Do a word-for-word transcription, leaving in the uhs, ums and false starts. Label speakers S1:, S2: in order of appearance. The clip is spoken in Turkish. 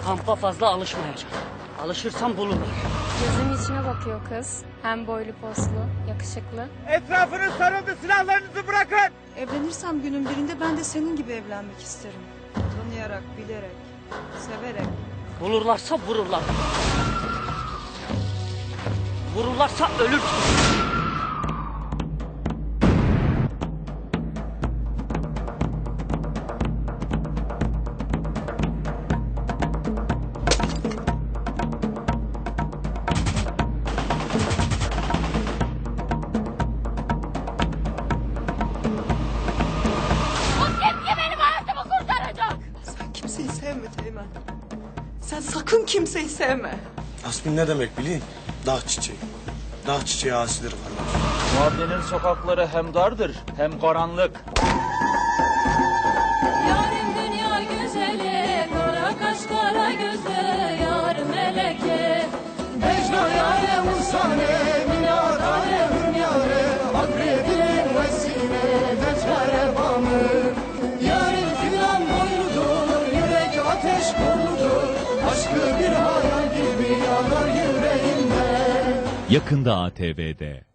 S1: Kampa fazla alışmayacağım. Alışırsam bulurlar.
S2: Gözümün içine bakıyor kız. Hem boylu poslu, yakışıklı.
S3: Etrafınız sarıldı, silahlarınızı bırakın!
S4: Evlenirsem günün birinde ben de senin gibi evlenmek isterim. Tanıyarak, bilerek, severek.
S1: Bulurlarsa vururlar. Vururlarsa ölürsün.
S4: Sen kimseyi sevme Teğmen. Sen sakın kimseyi sevme.
S5: Asmin ne demek bileyim? Dağ çiçeği. Dağ çiçeği asidir kardeş.
S3: Mahallenin sokakları hem dardır hem karanlık.
S6: Yarın dünya güzeli, kara kaş kara gözlü, yar meleke.
S7: Mecnun yâre musane, minâdâre hünyâre, akrebin vesile, veçare bamı. Yarın filan boyludur, yürek ateş doludur, aşkı bir hayal gibi yanar yüreğimde.
S8: Yakında A T V'de.